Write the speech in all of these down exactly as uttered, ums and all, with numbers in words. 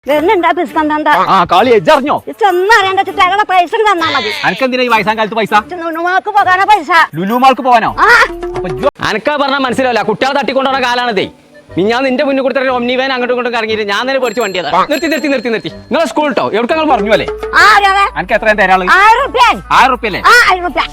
കളി എജ്ജറിഞ്ഞോ പൈസ തന്നാ മതി. അനക്കെന്തിനാ ഈ വയസ്സാം കാലത്ത് പൈസ? ലുലുമാൾക്ക് പോകാനോ പൈസ? ലുലുമാൾക്ക് പോകാനോ? അനക്കാ പറഞ്ഞാൽ മനസ്സിലാവില്ല. കുട്ടികളെ തട്ടിക്കൊണ്ടുള്ള കാലാണതേ. ഞാൻ നിന്റെ മുന്നിൽ കൊടുത്തിട്ട് ഒമ്നി വാൻ അങ്ങോട്ടും ഇങ്ങോട്ടും ഇറങ്ങിയിട്ട് ഞാൻ തന്നെ പഠിച്ച് വണ്ടിയതാ. നിർത്തി നിർത്തി നിർത്തി നിർത്തി നിങ്ങൾ സ്കൂൾ കേട്ടോ എവിടെ നിങ്ങൾ പറഞ്ഞു അല്ലേ? എനിക്ക് എത്രയും തരാള്? ആയിരം റുപ്യ. ആയിരം റുപ്യ അല്ലേ? ആയിരം റുപ്യ.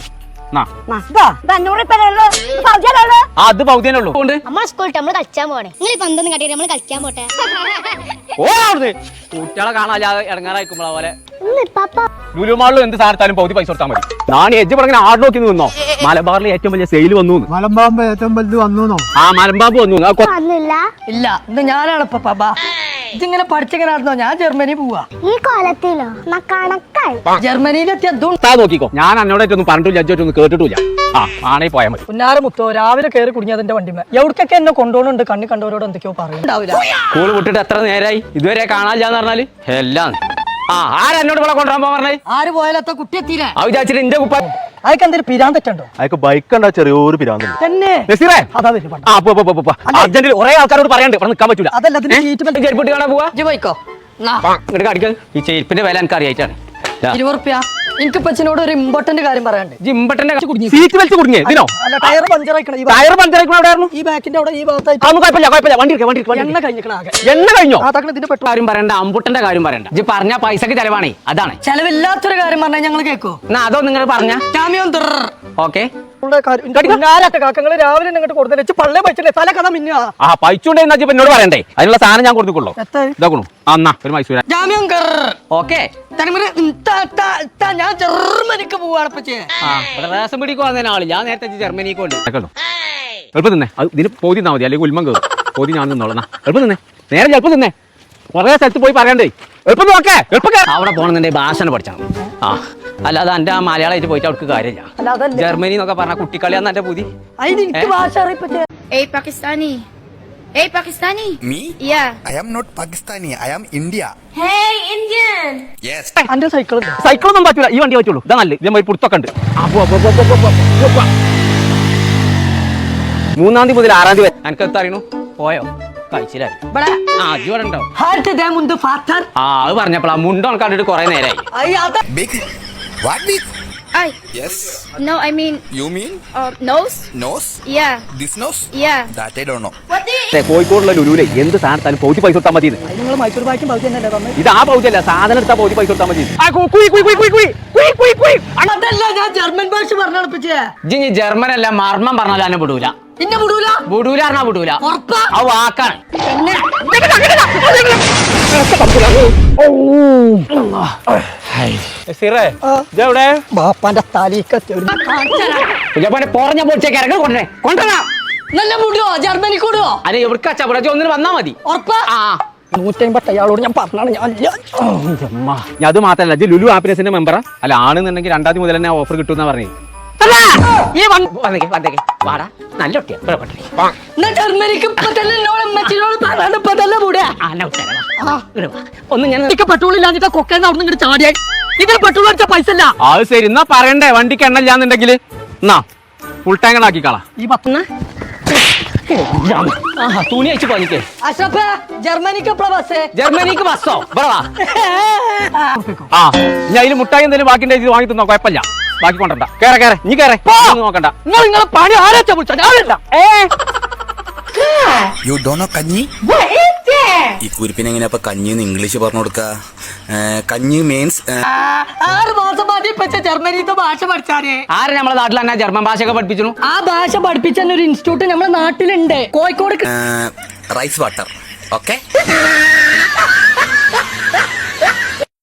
അത് പൗതിയനുള്ളൂ. നമ്മളെ സ്കൂളിൽ നമ്മൾ കളിച്ചാൻ പോണേ. നിങ്ങൾ പന്തൊന്നും കട്ടിട്ട് നമ്മൾ കളിക്കാൻ പോട്ടെ. ഓ അവിടുന്ന് കുട്ടികളെ കാണാതെ ഇടങ്ങാറായിക്കുമ്പോളെ പോലെ ലുലുമാളിലും എന്ത് സാധനത്താലും പൗതി പൈസ കൊടുത്താൽ മതി. ഞാൻ എജ്ജ് പറഞ്ഞ ആട് നോക്കി നിന്നോ. മലബാറിൽ ഏറ്റവും വലിയ സെയിൽ വന്നു. മലമ്പാമ്പ് ഏറ്റവും വലുത് വന്നു. ആ മലമ്പാമ്പ് വന്നു. ഇല്ല ഇത് ഞാനാണ് ഇപ്പൊ പാപ്പാ. ഇതിങ്ങനെ പഠിച്ചിങ്ങനെ നടന്നോ? ഞാൻ ജർമ്മനി പോവാ. ഈ കൊലത്തിലോ കണക്കായി ജർമ്മനിയിലെത്തിയ നോക്കിക്കോ. ഞാൻ എന്നോടൊന്നും പറഞ്ഞിട്ടില്ല, ജഡ്ജൊന്നും കേട്ടിട്ടില്ല. ആ ആണേ പോയാൽ മതി. പുന്നാര മുത്തോ രാവിലെ കയറി കുടുങ്ങിയതിന്റെ വണ്ടിമേ എവിടേക്കൊക്കെ എന്നെ കൊണ്ടുപോകുന്നുണ്ട്. കണ്ണി കണ്ടവരോട് എന്തൊക്കെയോ പറയുന്നുണ്ടാവില്ല. സ്കൂൾ വിട്ടിട്ട് എത്ര നേരമായി ഇതുവരെ കാണാനില്ലാന്ന് പറഞ്ഞാല് എല്ലാം. ആ ആരാ എന്നോട് ഇവിടെ കൊണ്ടുപോകാൻ പറഞ്ഞേ? ആര് പോയാലത്ത കുട്ടി എത്തിയില്ലേ? ആ വിചാരിച്ചിട്ട് എന്റെ കുപ്പ അതൊക്കെ എന്തൊരു പിരാന്തറ്റുണ്ടോ? അതൊക്കെ ബൈക്ക് ഉണ്ടാ ചെറിയൊരു പിരാന്ത് തന്നെ. അർജന്റീന കുറെ ആൾക്കാരോട് പറയാണ്ട് ഇവിടെ നിൽക്കാൻ പറ്റൂല. അതല്ല ചെരുപ്പിട്ട് കാണാൻ പോവാ. പോയിക്കോ. ഇങ്ങോട്ട് കാണിക്കാൻ ഈ ചെരുപ്പിന്റെ വില എനിക്ക് അറിയായിട്ടാണ്. ഇരുപത് റുപ്യ. എനിക്ക് പച്ചിനോട് ഒരു ഇമ്പോർട്ടന്റ് കാര്യം പറയാണ്ട്. ജിമ്പട്ടന്റെ സീറ്റ് വലിച്ച് കുടുങ്ങിയേ ഇതിനോ? ടയർ പഞ്ചറായിക്കണം. ടയർ പഞ്ചറായിക്കണം. എവിടെയായിരുന്നു? ഈ ബാക്കിന്റെ അവിടെ ഈ ഭാഗത്തായിട്ട്. കുഴപ്പമില്ല കുഴപ്പമില്ല. വണ്ടി വണ്ടി എണ്ണ കഴിഞ്ഞിക്കണം ആകെ. എണ്ണ കഴിഞ്ഞോ? ഇതിന്റെ പെട്രോൾ കാര്യം പറയണ്ട, അമ്പുട്ടന്റെ കാര്യം പറയണ്ട. ഇജ്ജ് പറഞ്ഞ പൈസക്ക് ചെലവാണേ. അതാണ് ചെലവില്ലാത്തൊരു കാര്യം പറഞ്ഞാൽ ഞങ്ങൾ കേൾക്കോ? എന്നാ അതോ നിങ്ങൾ പറഞ്ഞ ഓക്കെ കാക്കങ്ങള് രാവിലെ ഇങ്ങോട്ട് കൊടുത്തു പള്ളേ പൈച്ചല്ലേ തല കഥ മിന്ന. ആ പൈച്ചുണ്ടേ എന്നോട് പറയണ്ടേ? അതിനുള്ള സാധനം ഞാൻ കൊടുക്കുള്ളൂ. ഇതാക്കണു അന്നാ ഒരു മൈസൂര ഓക്കെ. ഞാൻ ജർമ്മനിക്ക് പോവാണ്. റേഷൻ പിടിക്ക് വന്നതിന് ആള് ഞാൻ നേരത്തെ ജർമ്മനിക്ക് കൊണ്ട് എളുപ്പം നിന്നേ. അത് ഇതിന് പോതി നിന്നാ മതി, അല്ലെങ്കിൽ ഉൽമം കയറും. പോതി ഞാൻ നിന്നോളാം. എളുപ്പം നിന്നേ. നേരെ എളുപ്പം നിന്നേ. കുറേ സ്ഥലത്ത് പോയി പറയണ്ടേ. എളുപ്പം നോക്കേ. എളുപ്പം അവിടെ പോകണമെന്നുണ്ടെങ്കിൽ ഭാഷ പഠിച്ചാണ്. ആ അല്ലാതെ എന്റെ ആ മലയാളമായിട്ട് പോയിട്ട് അവർക്ക് കാര്യമില്ല. ജർമ്മനി എന്നൊക്കെ പറഞ്ഞ കുട്ടിക്കളിയാന്ന് എന്റെ പുതി. Hey Pakistani. Hey Pakistani. Me? Yeah. I am not Pakistani. I am India. Hey Indian. Yes. എന്റെ സൈക്കിൾ സൈക്കിളൊന്നും പറ്റൂല. ഈ വണ്ടി പറ്റുള്ളൂ. ഇതാ നല്ല ഇതേ പുറത്തൊക്കെ ഉണ്ട്. മൂന്നാം തീയതി മുതൽ ആറാം തീയതി വരെ എനിക്ക് എത്തറിയണു പോയോ കഴിച്ചില്ലേ? ആ ഇവിടെ ഉണ്ടോ? ആ അത് പറഞ്ഞപ്പോളാ മുണ്ടോ കണ്ടിട്ട് കൊറേ നേരമായി. Big. What big? I. Yes. No, I mean. You mean? Uh, nose. Nose? Yeah. This nose? Yeah. That I don't know. What do you? കോഴിക്കോടുള്ള ലുലുവിലെ എന്ത് സാധനത്താലും പൗതി പൈസ കൊടുത്താൽ മതി. നിങ്ങൾ മൈസൂർ ബാക്കും പൗതി തന്നെ തന്നത്. ഇത് ആ പൗതിയല്ല, സാധനം എടുത്താൽ പൗതി പൈസ കൊടുത്താൽ മതി. അതല്ല ഞാൻ ജർമ്മൻ ഭാഷ പറഞ്ഞിപ്പച്ചേ. ഇജ്ജ് ജർമ്മൻ അല്ല മർമ്മം പറഞ്ഞാലും എന്നെ വിടൂല. പിന്നെ വിടൂല വിടൂല പറഞ്ഞാ വിടൂല. ആ വാക്കാണ്. ബാപ്പാന്റെ തലീക്കെത്തി പോറഞ്ഞ പൊളിച്ചേക്ക് ഇറങ്ങി കൊണ്ടേ കൊണ്ടുവരാ. നല്ല വിടുവോ? ജർമ്മനി കൂടുവോ? അല്ലെ എവിടെ ചവിടെ ഒന്നിന് വന്നാ മതി. ഉറപ്പാ? ആ നൂറ്റമ്പത്തി അയാളോട് ഞാൻ പറഞ്ഞാണ്. ഞാൻ അത് മാത്രല്ല, ഇത് ലുലു ഹാപ്പിനെസിന്റെ മെമ്പറാ. അല്ല ആണെന്നുണ്ടെങ്കിൽ രണ്ടാം തീയതി മുതൽ തന്നെ ഓഫർ കിട്ടുമെന്നാ പറഞ്ഞത്. നല്ല ജർമ്മനിക്ക് ഒന്ന് ഞാൻ പെട്രോൾ ഇല്ലാഞ്ഞിട്ട് കൊക്കേന്ന് അവിടെ നിന്ന് ചാടിയാൽ ഇതിൽ പെട്രോൾ അടിച്ച പൈസ അല്ല. അത് ശരി, എന്നാ പറയണ്ടേ വണ്ടിക്ക് എണ്ണ ഇല്ലാന്നുണ്ടെങ്കിൽ എന്നാ ഫുൾ ടാങ്ക് ആക്കിക്കളാ. ഈ പത്തുന്ന തുണി അയച്ചു പോനിക്കേ. അഷ്റഫ് ജർമ്മനിക്ക് എപ്പോഴാ ബസ്? ജർമ്മനിക്ക് ബസ്സോ? ആ ഞാൻ അതിന് മുട്ടായി എന്തെങ്കിലും ബാക്കി ഇത് വാങ്ങി തന്നോ, കുഴപ്പമില്ല. ബാക്കി കൊണ്ടണ്ട. കേറെ കേറെ നീ കേറെ നോക്കണ്ട. നിങ്ങൾ നിങ്ങളെ പണി ആരാച്ചാ വിളിച്ചാ? ഞാനല്ല. You don't know കഞ്ഞി? ഈ കുരിപ്പിന് എങ്ങനെയാ അപ്പൊ കഞ്ഞി എന്ന് ഇംഗ്ലീഷ് പറഞ്ഞു കൊടുക്ക? കഞ്ഞി മീൻസ് ആറ് മാസം മതി ഇപ്പച്ച ജർമ്മനിത്തെ ഭാഷ പഠിച്ചാലേ. ആര് നമ്മളെ നാട്ടിൽ തന്നെ ജർമ്മൻ ഭാഷയൊക്കെ പഠിപ്പിച്ചു? ആ ഭാഷ പഠിപ്പിച്ച ഒരു ഇൻസ്റ്റിറ്റ്യൂട്ട് നമ്മുടെ നാട്ടിലുണ്ട്, കോഴിക്കോട്. Rice water. ഓക്കെ.